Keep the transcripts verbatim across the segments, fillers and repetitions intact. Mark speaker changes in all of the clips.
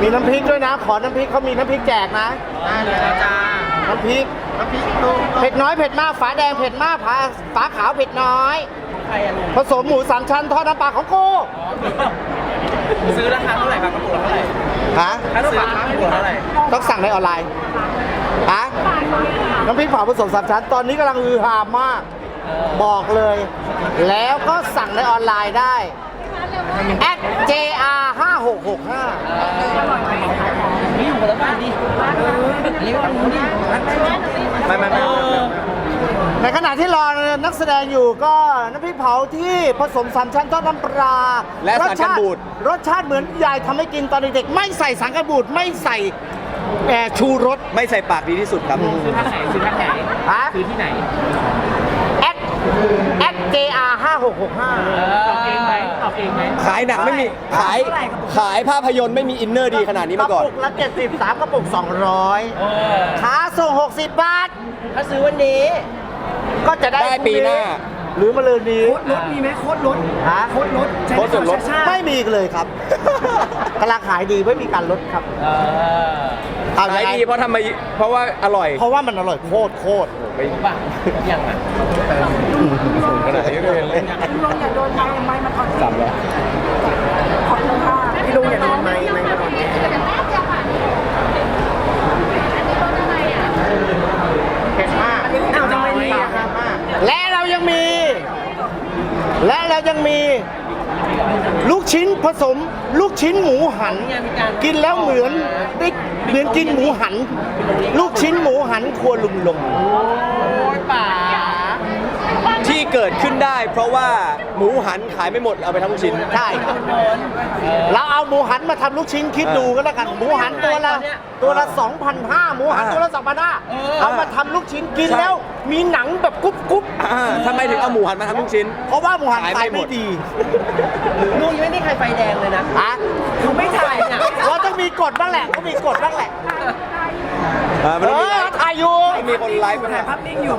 Speaker 1: มีน้ำพริกด้วยนะขอน้ำพริกเขามีน้ำพริกแจกนะ
Speaker 2: จ้า
Speaker 1: น้ำพริก
Speaker 2: น้ำพริก
Speaker 1: เผ็ดน้อยเผ็ดมากฝาแดงเผ็ดมากฝาฝาขาวเผ็ดน้อย
Speaker 2: ใครอะลุง
Speaker 1: ผสมหมูสามชั้นทอดน้ำปลาของกู
Speaker 2: ซื้อราคาเท่าไหร่ครับกระปุกละเท่าไหร่
Speaker 1: ฮะ
Speaker 2: ถ้าซื้อราคากระปุกละเท่าไหร่
Speaker 1: ต้องสั่งในออนไลน์ฮะน้ำพริกเผาผสมสามชั้นตอนนี้กำลังฮือฮามาก บอกเลย แล้วก็สั่งในออนไลน์ได้ แอท เจ อาร์ ห้าหกหกห้า
Speaker 2: นี่อยู่คนละบ้านดิอันนี้ก็รู้ดิไม่ไม่ไม่
Speaker 1: ในขณะที่รอนักแสดงอยู่ก็น้ำพริกเผาที่ผสมสามชั้นทอดน้ำปลา
Speaker 3: และสารกันบูด
Speaker 1: รสชาติเหมือนยายทำให้กินตอนเด็กๆไม่ใส่สารกันบูดไม่ใส่แอร์ชูรส
Speaker 3: ไม่ใส่ปากดีที่สุดครับ
Speaker 2: ซื้อท่าไหนซื้อท่าไหน
Speaker 1: ฮะ
Speaker 2: ซื้อที่ไหน
Speaker 1: แอดแอด เจ อาร์ ห้าหกหกห้า
Speaker 2: ตอบเองไหมตอบเองไหม
Speaker 3: ขายหนังไม่มี ขาย ขายภาพยนตร์ไม่มีอินเนอร์ดีขนาดนี้มาก่อน
Speaker 1: กระปุกละเจ็ดสิบสามกระปุกสองร้อย
Speaker 2: เออ
Speaker 1: ค่าส่งหกสิบบาท
Speaker 2: ถ้าซื้อวันนี้
Speaker 1: ก็จะได้
Speaker 3: ได้ปีหน้า
Speaker 1: หรือมาเลยนี้
Speaker 4: รถมีไหมโค้ดรถ
Speaker 1: ฮะ
Speaker 4: โค้ดรถใช้
Speaker 3: โค้ดส่วนลด
Speaker 4: ชาติ
Speaker 1: ไม่มีเลยครับกำลังขายดีไม่มีการลดครับ
Speaker 2: เออ
Speaker 1: เอา
Speaker 3: ขาย
Speaker 1: ยังไง
Speaker 3: ดีเพราะทำไมเพราะว่าอร่อย
Speaker 1: เพราะว่ามันอร่อยโคตรโคตร
Speaker 3: ไม่
Speaker 2: ป่ะยังอ่ะ
Speaker 3: ขนาดนี้ก็ยังเล่น
Speaker 4: พี่ลุงอย่าโดนไม้ไม้มันอ่อน
Speaker 3: สับแล้ว
Speaker 4: ขอบคุณค่ะพี่ลุงอย่าโดนไม้ไม้มันอ่อน
Speaker 1: เผ็ดมาก
Speaker 4: อ้าวทำไมมีอะครับ
Speaker 1: และเรายังมี และเรายังมี ลูกชิ้นผสม ลูกชิ้นหมูหัน กินแล้วเหมือนได้เหมือนกินหมูหัน ลูกชิ้นหมูหันครัวลุงลง
Speaker 2: โอ้ยป่า
Speaker 3: ที่เกิดขึ้นได้ เพราะว่าหมูหันขายไม่หมดเอาไปทำลูกชิ้น
Speaker 1: ใช่เราเอาหมูหันมาทำลูกชิ้นคิดดูก็แล้วกัน หมูหันตัวละตัวละสองพันห้าหมูหันตัวละสองพันห้าเอามาทำลูกชิ้นกินแล้วมีหนังแบบกรุบกรุบ
Speaker 3: อ่าทำไมถึงเอาหมูหันมาทำลูกชิ้น
Speaker 1: เพราะว่าหมูหัน
Speaker 3: ขาย
Speaker 1: ขาย
Speaker 3: ไม่หม
Speaker 1: ไม่
Speaker 3: ด
Speaker 1: ดี
Speaker 2: ลุงยังไม่มีใครไฟแดงเลยนะ
Speaker 1: ฮะ
Speaker 2: คือไม่ถ่ายเนี่ย
Speaker 1: เราต้องมีกฎบ้างแหละต้องมีกฎบ้างแหละ
Speaker 3: อ่ามัน
Speaker 1: เอ
Speaker 3: ต้องมี
Speaker 1: อถ่ายอยู่
Speaker 3: มีคนไลฟ์
Speaker 4: ถ่ายภาพนิ่งอยู่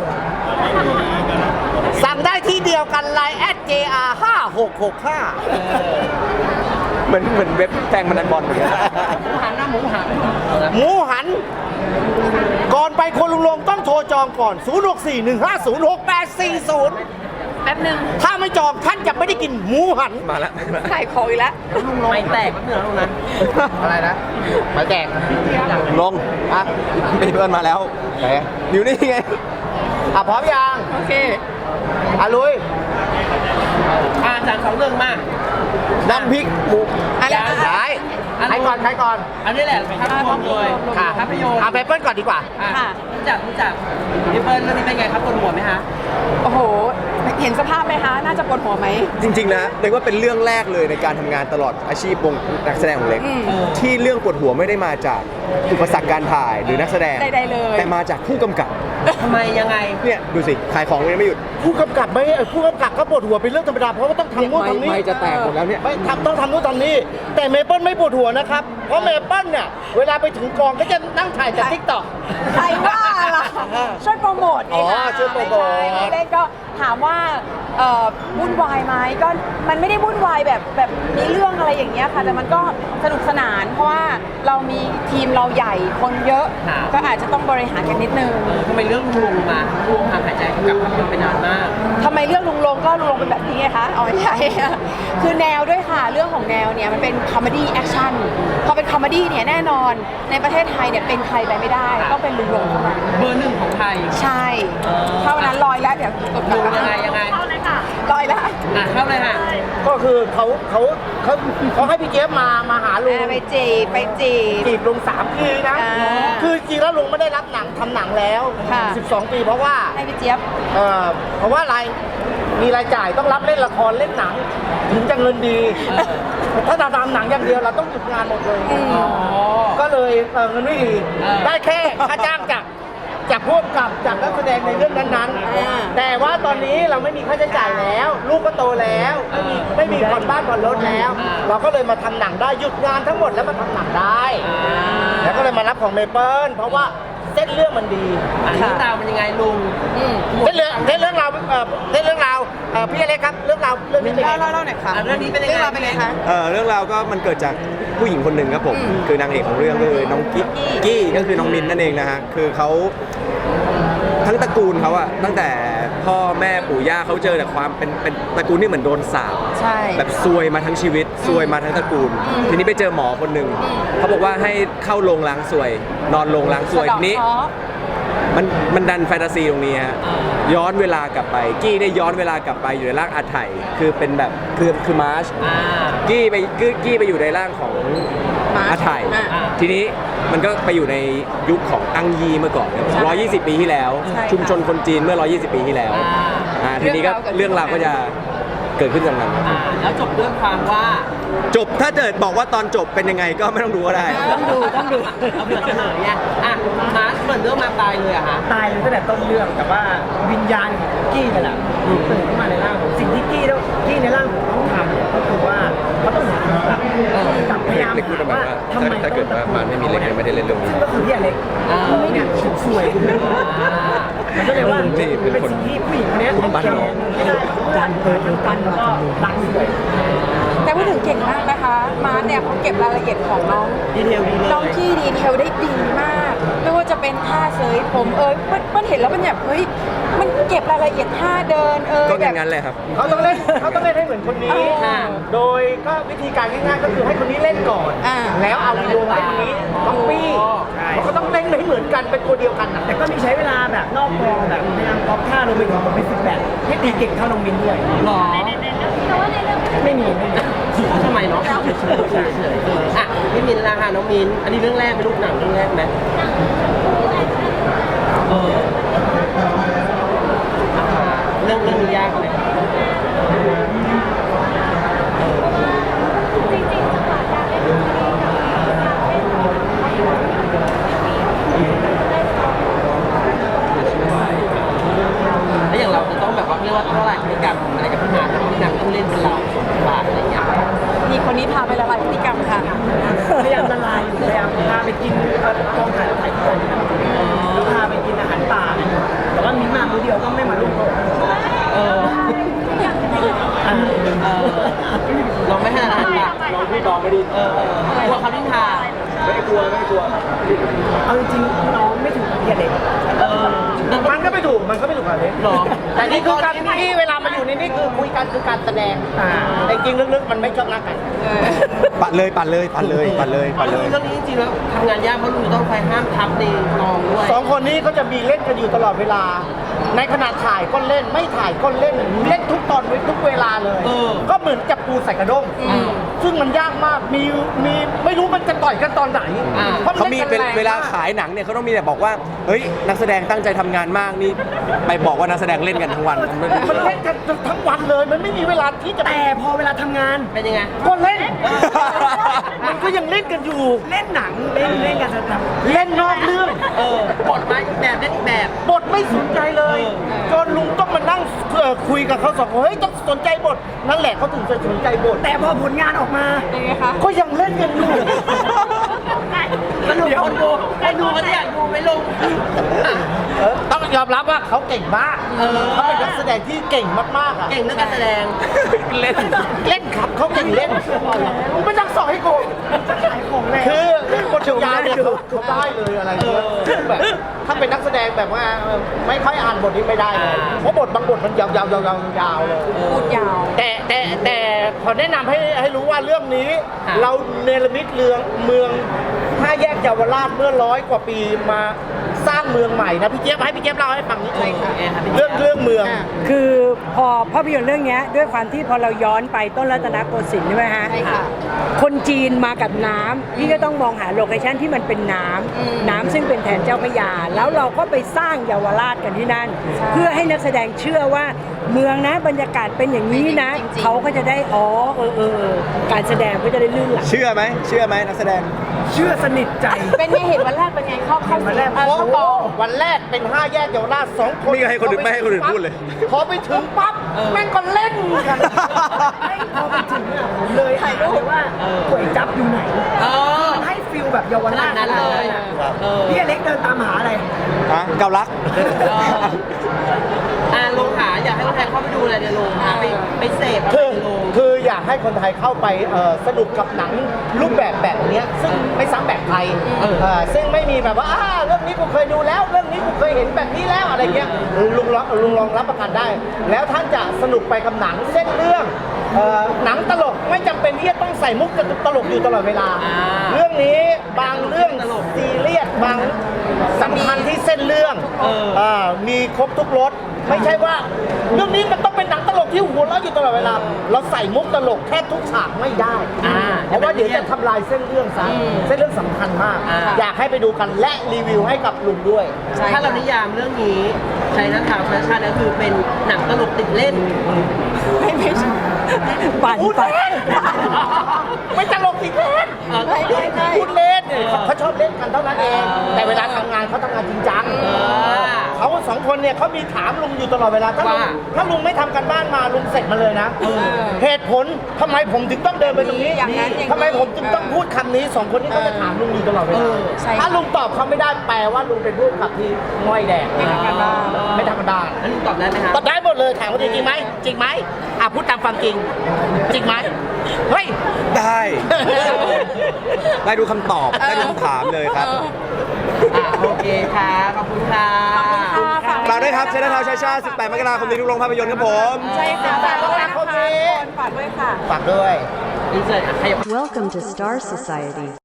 Speaker 1: สั่งได้ที่เดียวกันไลน์ แอท เจ อาร์ ห้าหกหกห้า
Speaker 3: เหมือนเหมือนเว็บแทงมันนันบอลเหมือนกัน
Speaker 2: หมูหันนะหมูหัน
Speaker 1: หมูหัน ก่อนไปคนลุงลงต้องโทรจองก่อน ศูนย์ หก สี่ หนึ่ง ห้า ศูนย์ หก แปด สี่ ศูนย์
Speaker 4: แป๊บนึง
Speaker 1: ถ้าไม่จองท่านจะไม่ได้กินหมูหัน
Speaker 3: มาแล้ว
Speaker 4: ถ่ายของอีกแล้ว
Speaker 2: ไม่แตกแป๊บนึงนะลุงนะ
Speaker 1: อะไรนะมาแจก
Speaker 3: ลงอ่ะมีเพื่อนมาแล้ว
Speaker 1: ไหน
Speaker 3: อยู่นี่ไง
Speaker 1: อ่ะพร้อมยัง
Speaker 4: โอเค
Speaker 1: อ่ะลุย
Speaker 2: อ่าจากสองเรื่องมา
Speaker 1: น้ำพริกหมู
Speaker 4: อะไรนะ
Speaker 1: ไหนใครก่อนใครก่อน
Speaker 2: อันนี้แหละภาพรวมเลย
Speaker 1: ค่ะ
Speaker 2: ภาพยนตร์
Speaker 1: อ่ะไปเปิ้ลก่อนดีกว่า
Speaker 2: อ่ะ
Speaker 4: ค่ะ
Speaker 2: รู้จักรู้จักพี่เปิ้ลเรื่องนี้เป็นไงครับปวดหัวไหมฮะ
Speaker 4: โอ้โห เห็นสภาพไหมคะ น่าจะปวดหัวไหม
Speaker 3: จริงๆนะเรียกว่าเป็นเรื่องแรกเลยในการทำงานตลอดอาชีพวงนักแสดงของเล็ก
Speaker 4: อืม
Speaker 3: ที่เรื่องปวดหัวไม่ได้มาจากอุปสรรคการถ่ายหรือนักแสดง
Speaker 4: ใดๆเลย
Speaker 3: แต่มาจากผู้กำกับ
Speaker 2: ทำไมยังไง
Speaker 3: เนี่ยดูสิขายของยังไม่หยุด
Speaker 1: ผู้กำกับไม่เอ่อผู้กำกับก็ปวดหัวเป็นเรื่องธรรมดาเพราะว่าต้องทำนู่นทำนี่
Speaker 3: ไม่จะแตกหมดแล้วเนี่ย
Speaker 1: ไม่ทำต้องทำนู่นทำนี่แต่เมเปิลไม่ปวดหัวนะครับ เพราะเมเปิลเนี่ยเวลาไปถึงกองก็จะนั่งถ่ายจากทิกตอก
Speaker 4: ใครว่าล่ะช่วยโปรโมทไง
Speaker 1: อ๋อ
Speaker 4: คะ
Speaker 1: ช่วยโปรโมท
Speaker 4: ไใช่เล็กก็ถามว่าเอ่อวุ่นวายไหมก็มันไม่ได้วุ่นวายแบบแบบมีเรื่องอะไรอย่างเงี้ยค่ะ แต่มันก็สนุกสนาน เพราะว่าเรามีทีมเราใหญ่คนเยอะ
Speaker 2: ครับ
Speaker 4: ก็อาจจะต้องบริหารกันนิดนึง
Speaker 2: เออทำไมเรื่องลุงมาลุงห่างหายใจกับภาพยนตร์ไปนานมาก
Speaker 4: ทำไมเรื่องลุงลงก็ลุงลงเป็นแบบนี้ไงคะอ๋อไม่ใช่ คือแนวด้วยค่ะเรื่องของแนวเนี่ยมันเป็นคอมเมดี้แอคชั่นพอเป็นคอมเมดี้เนี่ยแน่นอนในประเทศไทยเนี่ยเป็นใครไปไม่ได้ต้องเป็นลุงลงเท่านั้น
Speaker 2: เบอร์หนึ่งของไทย
Speaker 4: ใช่
Speaker 2: เออ
Speaker 4: เท่านั้นลอยแล้วเดี๋ยวกด
Speaker 2: ลุง
Speaker 4: กลับ
Speaker 2: ยังไงยังไง
Speaker 4: ลอยแล้ว
Speaker 2: อ่ะเข้าเลยค่ะ
Speaker 1: ก็คือเขาเขาเขาเขาให้พี่เจี๊ยบมามาหาลุง
Speaker 4: อ่าไปจีบไปจีบ
Speaker 1: จีบลุงสามปีนะ
Speaker 4: อ่า
Speaker 1: คือจริงแล้วลุงไม่ได้รับหนังทำหนังแล้ว
Speaker 4: ค่ะ
Speaker 1: สิบสองปีเพราะว่า
Speaker 4: ให้พี่เจี๊ยบ
Speaker 1: เอ่อเพราะว่าอะไรมีรายจ่ายต้องรับเล่นละครเล่นหนัง ถึงจะเงินดี
Speaker 2: เออ
Speaker 1: ถ้าเราทำหนังอย่างเดียวเราต้องหยุดงานหมดเลย
Speaker 4: อืม
Speaker 2: อ๋อ
Speaker 1: ก็เลยเอ่อเงินไม่ดี
Speaker 2: เออ
Speaker 1: ได้แค่ค่าจ้างจากจากพวกกับจากนักแสดงในเรื่องนั้น
Speaker 4: อ่า
Speaker 1: ๆ แต่ว่าตอนนี้เราไม่มีค่าใช้จ่ายแล้ว ลูกก็โตแล้วไม่มีไม่มีผ่อนบ้านผ่อนรถแล้ว เราก็เลยมาทำหนังได้หยุดงานทั้งหมดแล้วมาทำหนังได้ แล้วก็เลยมารับของเมเปิลเพราะว่าเส้นเรื่องมันดี
Speaker 2: อ่ะเรื่องราวมันยังไงลุง
Speaker 4: อืม
Speaker 1: เส้นเรื่องเล่นเรื่องราวเอ่อเล่นเรื่องราวเอ่อพี่อเล็กครับเรื่องราวเรื่องนี้เป็นไง
Speaker 4: เล่าเล่าเล่าหน่อยค่ะ
Speaker 2: อ่ะเรื่องนี้เป็นยังไง
Speaker 4: เรื่องราวเป็นไงคะ
Speaker 3: เอ่อเรื่องราวก็มันเกิดจากผู้หญิงคนหนึ่งครับผม
Speaker 4: อืม
Speaker 3: คือนางเอกของเรื่องก็คือน้องกี้
Speaker 4: กี้
Speaker 3: กี้ก็คือน้องมินนั่นเองนะฮะคือเขาทั้งตระกูลเขาอะตั้งแต่พ่อแม่ปู่ย่าเขาเจอแต่ความเป็นเป็นตระกูลที่เหมือนโดนสาป
Speaker 4: ใช่
Speaker 3: แบบซวยมาทั้งชีวิตซวยมาทั้งตระกูล ทีนี้ไปเจอหมอคนหนึ่งเขาบอกว่าให้เข้าโรงล้างซวย นอนโรงล้างซวย
Speaker 4: สะเดาะ
Speaker 3: ทีนี้
Speaker 4: เคราะห์
Speaker 3: มันมันดันแฟนตาซีตรงนี้ฮะย้อนเวลากลับไป กี้ได้ย้อนเวลากลับไปอยู่ในร่างอาไถคือเป็นแบบคือคือมาร์ช
Speaker 2: อ่า
Speaker 3: กี้ไปกี้กี้ไปอยู่ในร่างของ
Speaker 4: มาร์ช
Speaker 3: อาไถ
Speaker 4: อ่า
Speaker 3: ทีนี้มันก็ไปอยู่ในยุคของอังยีเมื่อก่อนครับ
Speaker 4: ใช่
Speaker 3: ร้อยยี่สิบปีที่แล้ว
Speaker 4: ใช่ค่ะ
Speaker 3: ชุมชนคนจีนเมื่อร้อยยี่สิบปีที่แล้ว
Speaker 2: อ่า
Speaker 3: อ่าทีนี้ก็
Speaker 4: เรื่
Speaker 3: เรื่อ
Speaker 4: อง ง
Speaker 3: ราร
Speaker 4: าว ว
Speaker 3: ก็จะเกิดขึ้นจากนั้น
Speaker 2: อ่าแล้วจบด้วยความว่า
Speaker 3: จบถ้าเกิดบอกว่าตอนจบเป็นยังไงก็ไม่ต้องดูก็ได้
Speaker 2: ต้องดูต้องดูเอาเผื่อเฉลยไงอ่ะมาร์ชเหมือนเรื่องมาตายเลยอะฮะ
Speaker 5: ตายเลยตั้งแต่ต้นเรื่องแต่ว่าวิญญาณของกี้นี่แหละตื่นขึ้นมาในร่างผมสิ่งที่กี้ต้องกี้ในร่างผมต้องทำเนี่ยก็คือว่าเขาต้องหาคำตอบกลับพยายาม
Speaker 6: เล็กพูดประมาณว่า
Speaker 5: ทำไม
Speaker 6: ถ้าเกิดว่ามันไม่มีเล็กเนี่ยไม่ได้เล่นเรื่องนี้
Speaker 5: ก็คือพี่อเล็ก
Speaker 2: อ่า
Speaker 5: เนี่ยสวยมันก็เลยว่า
Speaker 6: นี่เป็น
Speaker 5: เป็น
Speaker 6: คน
Speaker 5: สิ่งที่ผู้หญิงคนนี้ต้องเก็บไม่ได้ดันเปิดทั้งกันแล้วก็รักสวย
Speaker 4: แต่พูดถึงเก่งมากนะคะ มาร์ทเนี่ยเขาเก็บรายละเอียดของน้อง
Speaker 2: ดีเทลดีเลย
Speaker 4: น้องกี้ดีเทลได้ดีมาก ไม่ว่าจะเป็นท่าเสยผมเอยมันมันเห็นแล้วมันแบบเฮ้ยมันเก็บรายละเอียดท่าเดินเอย
Speaker 3: ก็
Speaker 4: แบบ
Speaker 3: งั้นๆเลยครับ
Speaker 1: เขาต้องเล่นเขาต้องเล่นให้เหมือนคนนี้
Speaker 4: อ่า
Speaker 1: โดยก็วิธีการง่ายๆก็คือให้คนนี้เล่นก่อน
Speaker 4: อ่า
Speaker 1: แล้วเอาโยงให้คนนี้ต้องปี้เขาก็ต้องเล่นให้เหมือนกันเป็นตัวเดียวกันนะ
Speaker 5: แต่ก็มีใช้เวลาแบบนอกกองแบบพยายามก๊อปท่าลงไปถึงผมไปฝึกแบบให้ตีเก่งเท่าน้องมินด้วย
Speaker 2: หรอ
Speaker 5: ไม่มีไม่มี
Speaker 2: ทำไมเนาะเฉยๆเฉยๆเฉยๆอ่ะพี่มินละค่ะน้องมิน อันนี้เรื่องแรกเป็นลูกหนังเรื่องแรกไหมเอออ่าเรื่องเรื่องนี้ยากไหมแล้วอย่างเราจะต้องแบบว่าเรียกว่าเท่าไหร่พฤติกรรมอะไรกับพี่มาร์คพี่นางต้องเล่นเป็นเราบาทอะไรอย่างเงี้ย
Speaker 4: มีคนนี้พาไปละลายพฤติกรรมค่ะ
Speaker 5: พยายามละลายอยู่พยายามพาไปกินเอ่อกองถ่ายถ่ายที่กองนะครับแล้วพาไปกินอาหารป่าแต่ว่ามีมามื้อเดียวก็ไม่มาร่วมโต๊ะ
Speaker 2: เออ
Speaker 5: อ่า
Speaker 2: เออเราไม่ให้อาหารป่ะ
Speaker 3: ลองพี่ลองไม่ดี
Speaker 2: เออเออกลัวเขาดิ้นทา
Speaker 3: ไม่กลัวไม่กลัว
Speaker 5: เอาจริงๆน้องไม่ถึงพี่เด็ก
Speaker 2: เออ
Speaker 1: มันก็ไม่ถูกมันก็ไม่ถูกอะไร
Speaker 2: หรอ
Speaker 1: แต่นี่คือการที่เวลามาอยู่ในนี่คือคุยกันคือการแสดง
Speaker 5: อ่า
Speaker 1: แต่จริงๆลึกๆมันไม่ชอบรักกัน
Speaker 3: ปัดเลยปัดเลยปัดเลยปัดเลยปัดเลย
Speaker 2: เรื่องนี้จริงๆแล้วทำงานยากเพราะลุงต้องคอยห้ามทับในกองด้วย
Speaker 1: สองคนนี้เขาจะมีเล่นกันอยู่ตลอดเวลา ในขณะถ่ายก็เล่นไม่ถ่ายก็เล่นเล่นทุกตอนทุกเวลาเลย
Speaker 2: เออ
Speaker 1: ก็เหมือนจับปูใส่กระด้ง
Speaker 2: อืม
Speaker 1: ซึ่งมันยากมากมีมีไม่รู้มันจะต่อยกันตอนไหน
Speaker 2: อ่า
Speaker 1: เพราะ
Speaker 3: เขามี
Speaker 1: น
Speaker 3: เป็น
Speaker 1: นแรง
Speaker 3: เวลาขายหนังเนี่ยเขาต้องมีแต่บอกว่า เฮ้ย นักแสดงตั้งใจทำงานมากนี่ ไปบอกว่านักแสดงเล่นกันทั้งวันมัน
Speaker 1: มันเล่นกันทั้งวันเลย มันไม่มีเวลาที่จะ
Speaker 5: แต่พอเวลาทำงาน
Speaker 2: เป็นยังไง
Speaker 1: ก็เล่น มันก็ยังเล่นกันอยู่
Speaker 5: เล่นหนังเล่นเล่นการแสดง
Speaker 1: เล่นนอกเรื่อง
Speaker 2: เออบทมาอีกแบบเล่นอีกแบบ
Speaker 1: บทไม่สนใจเลย
Speaker 2: เออ
Speaker 1: จนลุงต้องมานั่งเอ่อคุยกับเขาสองคนเฮ้ยต้องสนใจบท นั่นแหละเขาถึงจะสนใจบท
Speaker 5: แต่พอผลงานออกมา
Speaker 4: เป็นไงคะ
Speaker 1: ก็ยังเล่นกันอยู่
Speaker 2: สนุกคนดูคนดูเขาอยากดูไหมลุง
Speaker 1: เออต้องยอมรับว่าเขาเก่งมาก
Speaker 2: เออ
Speaker 1: เขาเป็นนักแสดงที่เก่งมากๆอ่ะ
Speaker 2: เก่งเรื่องการแสดง
Speaker 3: เล่น
Speaker 1: เล่นครับเขาเก่งเล่นมึงไม่ต้องสอนให้กู
Speaker 5: ขายของแล้ว
Speaker 1: คือบทยาวเนี่ยเขาเขาได้เลยอะไรเงี้ยแบบถ้าเป็นนักแสดงแบบว่าเออไม่ค่อยอ่านบทนี้ไม่ได้เลย
Speaker 2: อ่า
Speaker 1: เพราะบทบางบทมันยาวๆยาวๆยาวๆเลย
Speaker 4: พูดยาว
Speaker 1: แต่แต่แต่ขอแนะนำให้ให้รู้ว่าเรื่องนี้
Speaker 2: ค่ะ
Speaker 1: เราเนรมิตเรืองเมืองห้าแยกเยาวราชเมื่อร้อยกว่าปีมาสร้างเมืองใหม่นะพี่เจี๊ยบให้พี่เจี๊ยบเล่าให้ฟังนิดนึง
Speaker 2: เออค่ะพี่
Speaker 1: เรื่อง
Speaker 2: เจี๊ยบ
Speaker 1: เรื่องเมือง
Speaker 7: คือพอภาพยนตร์เรื่องเนี้ยด้วยความที่พอเราย้อนไปต้นรัตนโกสินทร์ใช่ไหมฮะ
Speaker 4: ใช่ค่ะ
Speaker 7: คนจีนมากับน้ำพี่ก็ต้องมองหาโลเคชั่นที่มันเป็นน้ำ
Speaker 4: อืม
Speaker 7: น้ำซึ่งเป็นแทนเจ้าพระยา แล้วเราก็ไปสร้างเยาวราชกันที่นั่น
Speaker 4: ใช่
Speaker 7: เพื่อให้นักแสดงเชื่อว่าเมืองนะบรรยากาศเป็นอย่างนี้นะ
Speaker 4: จริงๆ
Speaker 7: เขาก็จะได้อ๋อเออเออเออการแสดงก็จะได้ลื่นไหล
Speaker 3: เชื่อไหมเชื่อไหมนักแสดง
Speaker 5: เชื่อสนิทใจ
Speaker 4: เป็นไงเห็นวันแรกเป็นไงเข้าเข้า
Speaker 5: วันแรก
Speaker 4: เออ
Speaker 1: เพราะ
Speaker 4: เข้ากอง
Speaker 1: วันแรกเป็นห้าแยกเยาวราชสองคน
Speaker 3: นี่ก็ให้คนอื่นไม่ให้คนอื่นพูดเลย
Speaker 1: พอไปถึงปั๊บแม่งก็เล่นกัน
Speaker 5: ไม่พอไปถึงอ่ะผมเลยถ่ายรูปว่าก๋วยจับอยู่ไหน
Speaker 2: เออ
Speaker 5: มันให้ฟิลแบบเยาว
Speaker 2: ข
Speaker 5: รา
Speaker 2: นา
Speaker 5: ช
Speaker 2: ดนั้นเลย
Speaker 5: อะ
Speaker 2: เออ
Speaker 5: พี่อเล็กเดินตามหาอะไร
Speaker 3: ฮะเกาลัก
Speaker 2: อ่าลุคนไทยเข้าไปดูอะไรในโรงนะไปไปเสพ
Speaker 1: คือ
Speaker 2: ในโรง
Speaker 1: คืออยากให้คนไทยเข้าไปเอ่อสนุกกับหนังรูปแบบแบบเนี้ยซึ่งไม่ซ้ำแบบไทยเอ่อซึ่งไม่มีแบบว่าอ่าเรื่องนี้กูเคยดูแล้ว เรื่องนี้กูเคยเห็นแบบนี้แล้วอะไรเงี้ยลุงลองลุงลองรับประกันได้ แล้วท่านจะสนุกไปกับหนังเส้นเรื่องเอ่อหนังตลกไม่จำเป็นที่จะต้องใส่มุกตลกอยู่ตลอดเวลา เรื่องนี้บางเรื่องซีเรียสบางสำคัญที่เส้นเรื่องเอ่อมีครบทุกรสไม่ใช่ว่า เรื่องนี้มันต้องเป็นหนังตลกที่หัวเราะอยู่ตลอดเวลา เราใส่มุกตลกแค่ทุกฉากไม่ได้
Speaker 2: อ่า
Speaker 1: เพราะว่าเดี๋ยวจะทำลายเส้นเรื่องซะเส้นเรื่องสำคัญมาก
Speaker 2: อ่า
Speaker 1: อยากให้ไปดูกันและรีวิวให้กับลุงด้วย
Speaker 4: ใช่
Speaker 2: ถ้าเรานิยามเรื่องนี้ใช้นักข่าวแฟชั่นก็คือเป็นหนังตลกติดเล่น
Speaker 4: ไม่ไม่ใช่
Speaker 7: ปั่น
Speaker 1: พูด
Speaker 7: ปั่น
Speaker 1: เล่น ไม่ตลกติดเล่น
Speaker 2: เออ
Speaker 4: ไม่ไม่ไม่
Speaker 1: พูดเล่นเขาเขาชอบเล่นกันเท่านั้นเอง แต่เวลาทำงานเขาทำงานจริงจัง เขาสองคนเนี่ยเขามีถามลุงอยู่ตลอดเวลาถ้าลุง
Speaker 2: ว่า
Speaker 1: ถ้าลุงไม่ทำกันบ้านมาลุงเสร็จมาเลยนะเหตุผลทำไมผมถึงต้องเดินไปตรงนี้
Speaker 4: อย่างนั้นอย่างนี้
Speaker 1: ทำไมผมถึงต้องพูดคำนี้สองคนนี้เขาจะถามลุงอยู่ตลอดเวลา
Speaker 4: ใช่
Speaker 1: ถ้าลุงตอบเขาไม่ได้แปลว่าลุงเป็นผู้ขับที่ง่อยแดง
Speaker 4: ไม่ทำกันบ้าน
Speaker 1: ไม่ทำกันบ้าน
Speaker 2: แล้วลุงตอบได้ไหมครับ
Speaker 1: ตอบได้หมดเลยถามว่าจริงไหมจริงไหมอ่ะพูดตามความจริง จริงไหมเฮ้ย
Speaker 3: ได้ ได้ดูคำตอบ ได้ดูคำถามเลยครับ
Speaker 2: อ่าโอเคค่ะขอบคุณค่ะ
Speaker 4: ค่ะ
Speaker 3: ฝากด้วยครับเชนทาวชาชาสิบแปดมกราคมนี้ทุกโรงภาพยนตร์ครับผม
Speaker 4: ใช่ค่ะฝากด้วยนะคะทุกคนฝากด้วยค่ะ
Speaker 1: ฝากด้วย
Speaker 2: อินเสิร์ตขยับ
Speaker 8: Welcome to Star Society.